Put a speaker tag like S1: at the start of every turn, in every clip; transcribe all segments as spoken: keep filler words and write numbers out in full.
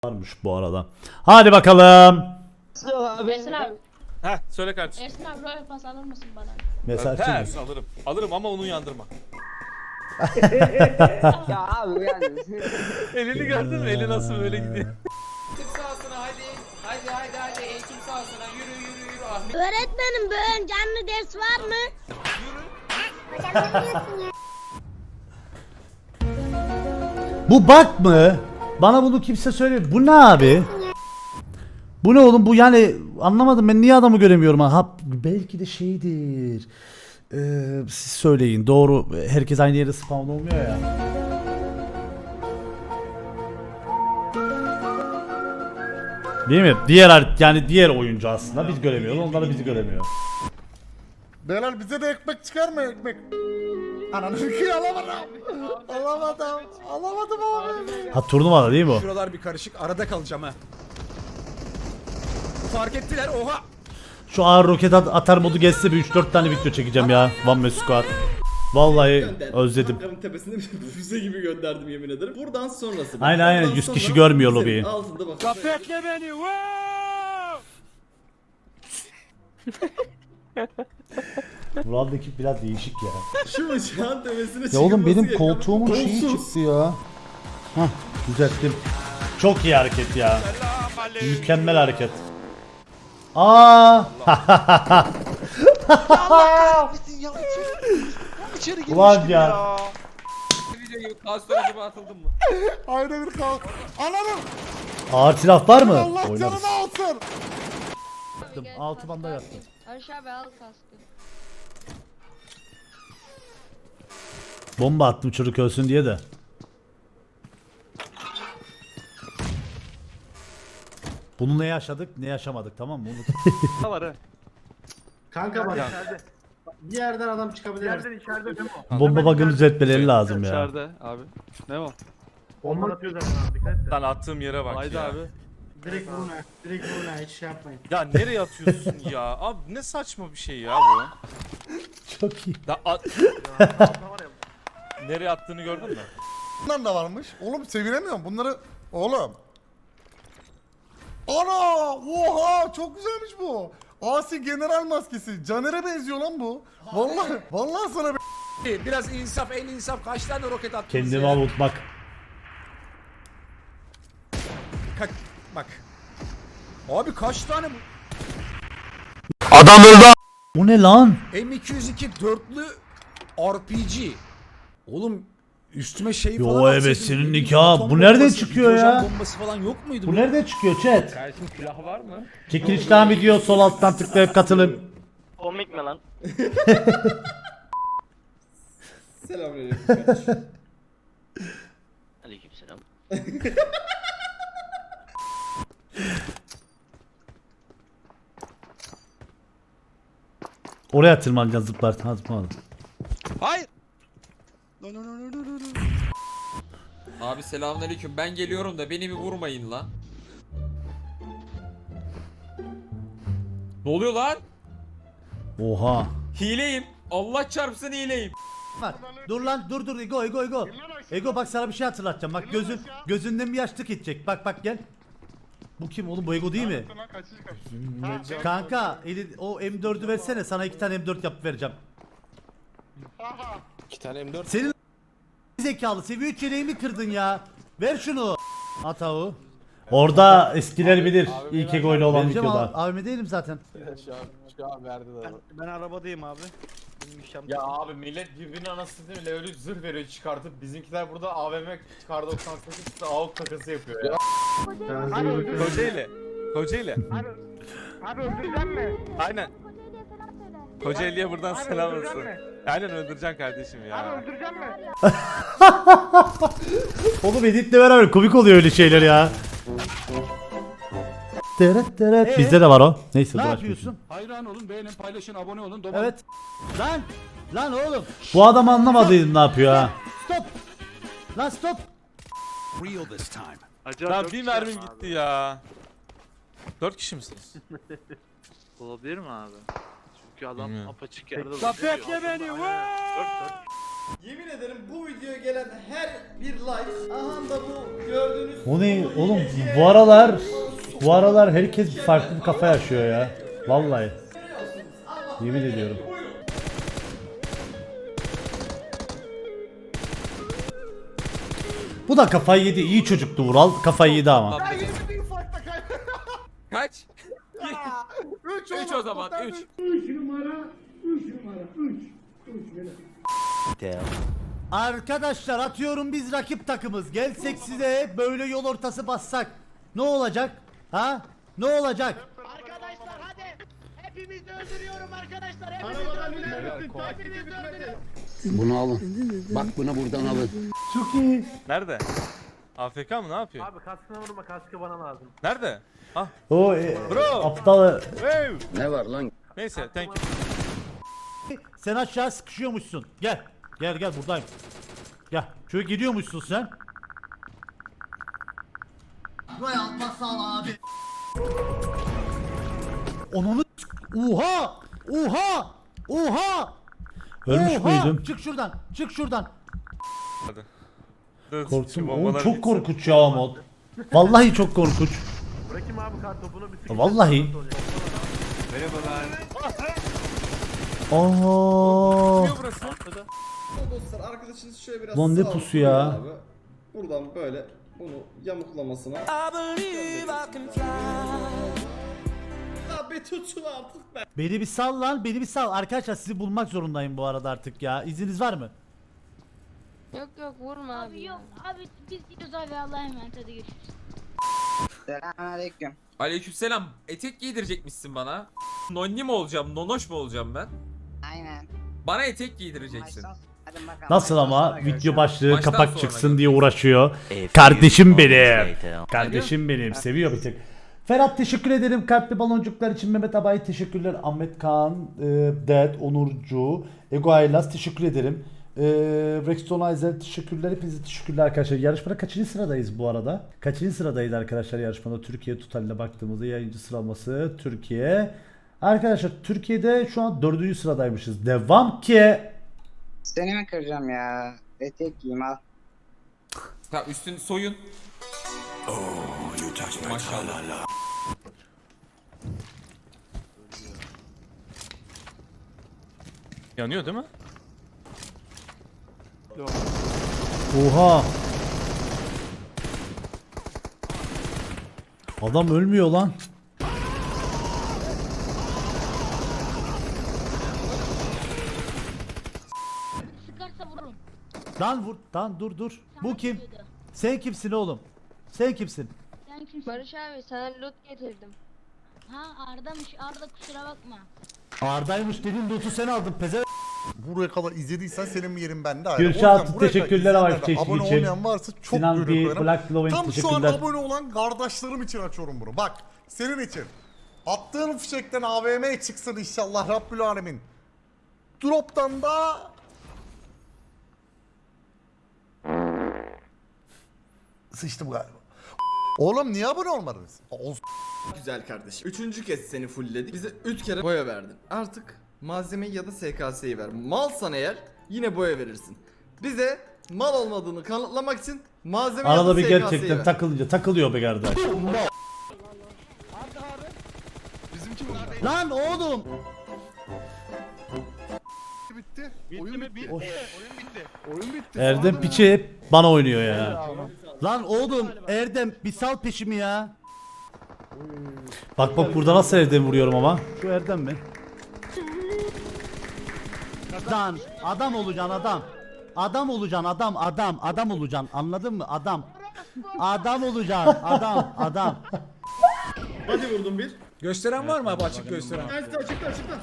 S1: Varmış bu arada. Hadi bakalım.
S2: Ersin abi.
S3: Heh söyle kardeşim.
S2: Ersin abi Royal Pass alır mısın bana?
S1: Mesaj
S3: Ters alırım. Alırım ama onu uyandırma.
S4: Ya abi yani.
S3: Elini gördün mü? Eli nasıl böyle gidiyor.
S5: Tık sahasına hadi. Hadi hadi hadi eğitim sahasına yürü yürü yürü Ahmet.
S2: Öğretmenim bugün canlı ders var mı?
S1: Bu bak mı? Bana bunu kimse söylemiyor. Bu ne abi? Bu ne oğlum? Bu yani anlamadım, ben niye adamı göremiyorum ha? Ha, belki de şeydir. Ee, siz söyleyin. Doğru. Herkes aynı yere spawn olmuyor ya. Değil mi? Diğer yani diğer oyuncu aslında biz göremiyoruz. Onlar da bizi göremiyor.
S6: Beyler bize de ekmek çıkar mı ekmek? Ananı ki alamadım. Alamadım. Alamadım abi.
S1: Ha, turnuvada değil mi o?
S5: Şuralar bir karışık arada kalacağım ha. Fark ettiler oha.
S1: Şu ağır roket at- atar modu geçse bir üç dört tane video çekeceğim ya. One Man Squad. Vallahi özledim.
S7: Ankara'nın tepesine bir füze gibi gönderdim yemin ederim. Buradan sonrası. bak.
S1: Aynen, aynen.
S7: Buradan
S1: yüz
S7: sonra
S1: kişi görmüyor
S7: füzenin
S1: lobiyi.
S7: Altında bak.
S3: Kapetle beni.
S1: Murat ekip biraz değişik ya.
S7: Şu bıçağın tepesine
S1: Ya oğlum benim
S7: çıkılması
S1: koltuğumun
S7: gerekiyor.
S1: şeyi
S7: Kolsuz.
S1: çıktı ya. Hah, düzelttim. Çok iyi hareket ya. Mükemmel hareket. Aa! Ulan ya.
S5: Videoyu kastor acaba atıldım mı?
S6: Ayrı bir kalk. Ananı.
S1: Ağır silah var mı?
S6: Allah
S1: Oynarız.
S6: canını alsın.
S1: Altı banda yaptım.
S2: Aşağı abi al kaskı.
S1: Bomba attım çocuk ölsün diye de. Bunu ne yaşadık ne yaşamadık, tamam mı? Unut.
S3: Var ha.
S8: Kanka bak bir yerden adam çıkabilir.
S9: Yerden içeride değil mi o?
S1: Bomba bug'ını düzeltmeleri lazım ya.
S3: İçeride abi. Ne o?
S9: Bomba atıyor zaten abi dikkat et.
S3: Lan attığım yere bak
S9: Haydi
S3: ya.
S9: abi.
S8: Direkt vurun ha. Direkt vurun ha. Hiç şey yapmayın.
S3: Ya nereye atıyorsun ya? Abi ne saçma bir şey ya bu.
S1: Çok iyi.
S3: Da at...
S9: Altta var ya.
S3: Nereye attığını gördün mü?
S6: Bunlar da varmış. Oğlum sevinemiyorum bunları. Oğlum. Ana! Oha! Çok güzelmiş bu. Asi general maskesi. Caner'e benziyor lan bu. Vallahi vallahi sana bir
S5: Biraz insaf el insaf kaç tane roket attınız
S1: Kendimi
S5: ya?
S1: avutmak.
S5: Ka- bak. Abi kaç tane bu?
S1: Bu ne lan?
S5: M iki yüz iki dörtlü R P G. Oğlum üstüme şey
S1: Yo,
S5: falan
S1: evet,
S5: atsaydın,
S1: senin
S5: ne bileyim,
S1: nikah.
S5: atom
S1: Bu nereden
S5: bombası,
S1: çıkıyor
S5: hidrojen
S1: ya?
S5: bombası falan yok muydu?
S1: Bu nereden çıkıyor chat?
S9: Kardeşim silahı var mı?
S1: Çekilişten video sol alttan tıklayıp katılın.
S9: Komik mi lan?
S7: Selamünaleyküm kardeşim.
S9: Aleykümselam.
S1: Oraya tırmanacaksın, zıplar. Ha, zıplamadım.
S5: Hayır.
S10: Abi selamünaleyküm. Ben geliyorum da beni bir vurmayın lan. Ne oluyor lan?
S1: Oha.
S10: Hileyim. Allah çarpsın hileyim.
S1: Bak, dur lan, dur dur Ego Ego Ego. Ego bak, sana bir şey hatırlatacağım. Bak gözün gözünden bir yaşlık gidecek. Bak bak gel. Bu kim oğlum, bu Ego değil mi? Kanka eli, o M dördü versene, sana iki tane M dört yapıp vereceğim.
S3: İki tane M dört.
S1: Senin zekalı seviye üç yeleğimi kırdın ya. Ver şunu. Atavu. Orada eskiler bilir. İlk Ego ile olan videoda. Abime değilim zaten.
S3: Şu an, şu an verdi de.
S9: Ben arabadayım abi. Benim işlem.
S10: Ya abi millet birbirine anasını değil mi? Öyle zırh veriyor çıkartıp bizimkiler burada A V M kar doksan sekiz A U K takası yapıyor ya.
S3: Kocaeli. Kocaeli.
S9: Abi, abi öldüreceğim mi?
S3: Aynen. Kocaeli'ye buradan
S9: Abi
S3: selam
S9: öldüreceğim
S3: olsun.
S9: mi?
S3: Aynen öldüreceksin kardeşim
S9: Abi
S3: ya.
S9: öldüreceğim mi?
S1: Oğlum editle beraber komik oluyor öyle şeyler ya. Teret teret. Bizde de var o. Neyse. Ne yapıyorsun?
S9: Hayran olun, beğenin, paylaşın, abone olun.
S1: Evet. Lan. Lan oğlum. Bu adam anlamadıydım ne yapıyor ha. Stop. Lan stop.
S3: Lan bir mermim gitti ya. Dört kişi misiniz?
S9: Olabilir mi abi? Çünkü adam
S3: Bilmiyorum.
S9: apaçık yerde
S3: Kapetle
S9: duruyor.
S3: beni.
S9: Dört dört.
S7: Yemin ederim bu videoya gelen her bir like, aha da bu gördüğünüz...
S1: O ne oğlum, bu aralar bu aralar herkes farklı bir kafa yaşıyor ya. Vallahi. Yemin ediyorum. Bu da kafayı yedi. İyi çocuktu Vural. Kafayı yedi ama.
S3: Kaç?
S6: Üç,
S3: üç o zaman üç.
S1: Arkadaşlar atıyorum biz rakip takımız. Gelsek size böyle yol ortası bassak. Ne olacak? Ha? Ne olacak?
S9: Arkadaşlar hadi. Hepimizi öldürüyorum arkadaşlar. Hepimizi öldürüyorum. Hepimizi öldürüyorum.
S4: Bunu alın. Bak bunu buradan alın.
S1: Çok iyi.
S3: Nerede? A F K mı, ne yapıyor?
S9: Abi kaskına vurma, kaskı bana lazım.
S3: Nerede? Ah.
S1: O e,
S3: Bro.
S1: aptal.
S3: Hey.
S4: Ne var lan?
S3: Neyse, thank you.
S1: Sen aşağı sıkışıyormuşsun. Gel. Gel gel buradayım. Gel. Şöyle gidiyormuşsun sen. Buraya atmaz sağ abi. Onunu Oha! Oha! Oha! Ölmüş
S6: Oha!
S1: müydüm? Çık şuradan. Çık şuradan.
S3: Hadi. Dur, şu
S1: Korktum. Oğlum
S3: bombaları
S1: çok
S3: bitsin.
S1: korkunç ya mod. Vallahi çok korkunç.
S9: Bırakayım abi kar topunu bir sıkıştır.
S1: Vallahi. Aa.
S3: Burası.
S7: Dostlar arkadaşınız şöyle biraz
S1: Lan ne
S7: sağa
S1: pusu ya?
S7: abi. Buradan böyle bunu yamuklamasına. Abi tutun artık be.
S1: Beni bir sal lan, beni bir sal. Arkadaşlar sizi bulmak zorundayım bu arada artık ya. İzniniz var mı?
S2: Yok yok vurma abi. Abi yok abi biz gidiyoruz abi Allah'a emanet hadi görüşürüz.
S4: Selamünaleyküm.
S11: Aleykümselam. Etek giydirecekmişsin bana. Nonni mi olacağım, nonoş mu olacağım ben?
S4: Aynen.
S11: Bana etek giydireceksin.
S4: Maçtan- Hadi bakalım,
S1: Nasıl
S4: maçtan
S1: ama
S4: sonra
S1: video
S4: görüşürüz.
S1: başlığı
S11: Maçtan
S1: kapak
S11: sonra
S1: çıksın
S11: görüşürüz.
S1: diye uğraşıyor. Kardeşim benim. Kardeşim benim. Seviyor bir tek. Ferhat teşekkür ederim. Kalpli baloncuklar için Mehmet Abay teşekkürler. Ahmet Kaan, e, Ded, Onurcu, Ego Aylas teşekkür ederim. E, Rexton Aizel teşekkürler. Hepinize teşekkürler arkadaşlar. Yarışmada kaçıncı sıradayız bu arada? Kaçıncı sıradayız arkadaşlar yarışmada? Türkiye totaline baktığımızda yayıncı sıralaması Türkiye. Arkadaşlar Türkiye'de şu an dördüncü sıradaymışız. Devam ki.
S4: Seni mi kıracağım ya? Etek giyeyim al.
S11: Ha, üstün soyun. Maşallah.
S3: Yanıyor değil mi?
S1: Oha. Adam ölmüyor lan.
S2: Sıkarsa vururum.
S1: Lan vur. Lan dur dur. Bu kim?
S2: Diyordu.
S1: Sen kimsin oğlum? Sen kimsin?
S2: Sen kimsin? Barış abi sana loot getirdim. Ha Arda'mış Arda kusura bakma.
S1: Arda'ymış dedin loot'u sen aldın peze.
S6: Buraya kadar izlediysen senin yerin bende ayrı.
S1: Gülşah
S6: O yüzden
S1: Altun,
S6: buraya kadar
S1: teşekkürler ama
S6: izleyenler de
S1: teşvik
S6: abone
S1: için.
S6: olmayan varsa çok
S1: Sinan
S6: buyurun
S1: bir
S6: koyarım.
S1: Black Lovin
S6: Tam şu an
S1: teşekkürler.
S6: abone olan kardeşlerim için açıyorum bunu. Bak senin için. Attığın fişekten A V M çıksın inşallah Rabbül Alemin. Drop'tan da sıçtım galiba. Oğlum niye abone olmadınız? Olsun.
S7: Güzel kardeşim. Üçüncü kez seni fullledik. Bize üç kere boya verdin. Artık malzemeyi ya da S K S'yi ver. Malsan eğer yine boya verirsin. Bize mal olmadığını kanıtlamak için malzeme ya da
S1: Arada bir
S7: S K S'yi
S1: gerçekten
S7: ver.
S1: takılınca takılıyor be kardeş. Lan oğlum.
S6: Bitti.
S9: Bitti
S6: Oyun
S9: mi?
S6: bitti.
S9: Bitti. Oyun bitti.
S6: Oyun bitti.
S1: Erdem piçi hep bana oynuyor ya. Lan oğlum Erdem bir sal peşimi ya. Bak bak burada nasıl Erdem vuruyorum ama. Şu Erdem mi? Lan adam olacaksın adam. Adam olacaksın adam adam adam olacaksın anladın mı adam. Adam olacaksın adam adam.
S7: Hadi vurdum bir.
S5: Gösteren var mı abi, açık gösteren?
S7: Açıkta açıkta açıkta.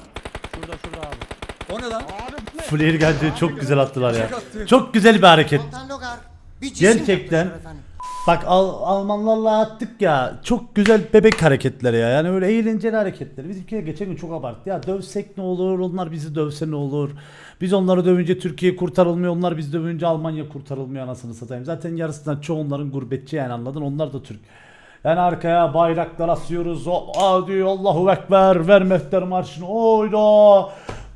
S5: O ne lan?
S1: Flare geldi çok güzel attılar ya. Çok güzel bir hareket. Gerçekten. Bak Al Almanlarla attık ya. Çok güzel bebek hareketleri ya. Yani öyle eğlenceli hareketler. Bizimkiler geçen gün çok abarttı. Ya dövsek ne olur? Onlar bizi dövse ne olur? Biz onları dövünce Türkiye kurtarılmıyor. Onlar bizi dövünce Almanya kurtarılmıyor anasını satayım. Zaten yarısından çoğu onların gurbetçi yani anladın? Onlar da Türk. Yani arkaya bayraklar asıyoruz. O, aa diyor Allahu Ekber. Ver mehter marşını. Oyda.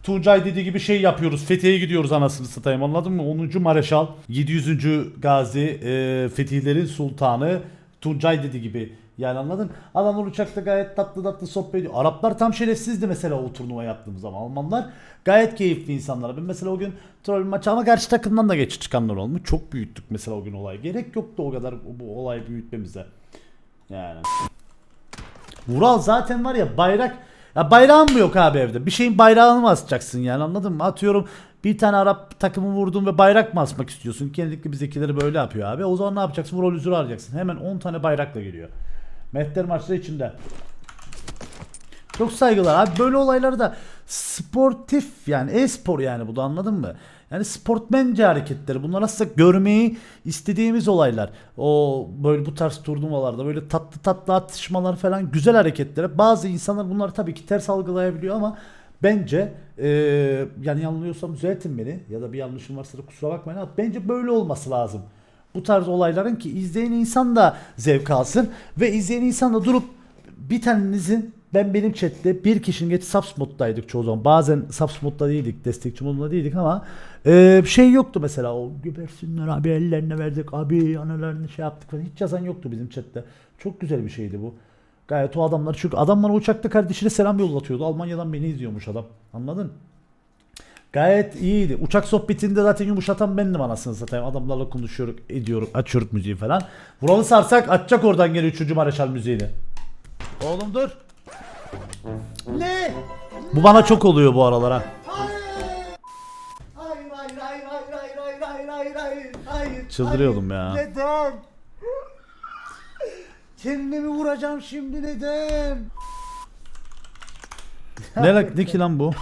S1: Tuncay dediği gibi şey yapıyoruz. Fethiye'ye gidiyoruz anasını satayım, anladın mı? onuncu Mareşal, yedi yüzüncü Gazi, e, Fetihlerin Sultanı Tuncay dediği gibi. Yani anladın? Adamlar uçakta gayet tatlı tatlı sohbet ediyor. Araplar tam şerefsizdi mesela o turnuva yaptığımız zaman. Almanlar gayet keyifli insanlar. Ben mesela o gün troll maçı ama karşı takımdan da geç çıkanlar olmuş. Çok büyüttük mesela o gün olayı. Gerek yoktu o kadar bu olayı büyütmemize. Yani. Vural zaten var ya bayrak. Ya bayrağın mı yok abi evde? Bir şeyin bayrağını mı asacaksın yani, anladın mı? Atıyorum bir tane Arap takımı vurdun ve bayrak mı asmak istiyorsun? Genellikle bizdekileri böyle yapıyor abi. O zaman ne yapacaksın? Vural üzülü arayacaksın. Hemen on tane bayrakla geliyor. Mehter maçları içinde. Çok saygılar abi. Böyle olayları da sportif yani e-spor yani bu da, anladın mı? Yani sportmence hareketleri. Bunlar aslında görmeyi istediğimiz olaylar. O böyle bu tarz turnuvalarda böyle tatlı tatlı atışmalar falan güzel hareketler. Bazı insanlar bunları tabii ki ters algılayabiliyor ama bence ee, yani yanılıyorsam düzeltin beni ya da bir yanlışım varsa da kusura bakmayın ama bence böyle olması lazım. Bu tarz olayların ki izleyen insan da zevk alsın ve izleyen insan da durup bir tanenizin, ben benim chatte bir kişinin geç subs moddaydık çoğu zaman. Bazen subs modda değildik, destekçi modunda değildik ama e, şey yoktu mesela, o gebersinler abi ellerine verdik abi analarını şey yaptık falan, hiç yazan yoktu bizim chatte. Çok güzel bir şeydi bu. Gayet o adamlar, çünkü adam bana uçakta kardeşine selam yollatıyordu. Almanya'dan beni izliyormuş adam. Anladın? Gayet iyiydi. Uçak sohbetinde zaten yumuşatan bendim anasını satayım. Adamlarla konuşuyoruz, ediyoruz, açıyoruz müziği falan. Vural'ı sarsak açacak oradan geri üçüncü Mareşal müziğini. Oğlum dur.
S6: Ne?
S1: Bu bana çok oluyor bu aralar ha.
S6: Hayır, hayır, hayır, hayır, hayır, hayır, hayır, hayır, hayır, hayır.
S1: Çıldırıyordum
S6: hayır.
S1: ya.
S6: Neden? Kendimi vuracağım şimdi, neden?
S1: Ne, lan- ne ki lan bu?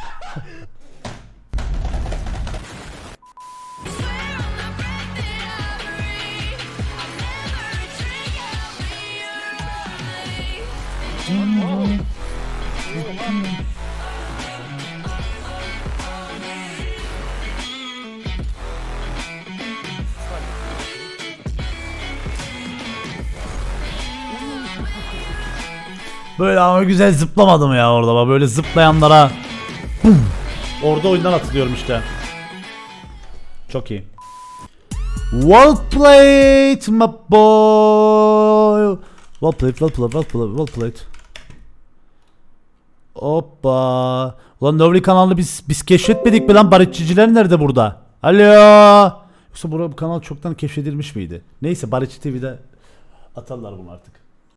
S1: Böyle ama güzel zıplamadım ya orada, bak böyle zıplayanlara bum. Orada oyundan atılıyorum işte. Çok iyi. Well played my boy. Well played, well played, well played, well played. Hoppa. Ulan Növri kanalını biz biz keşfetmedik mi lan? Barışçıcılar nerede burada? Alo. Yoksa bu kanal çoktan keşfedilmiş miydi? Neyse, Barışçı T V'de atarlar bunu artık.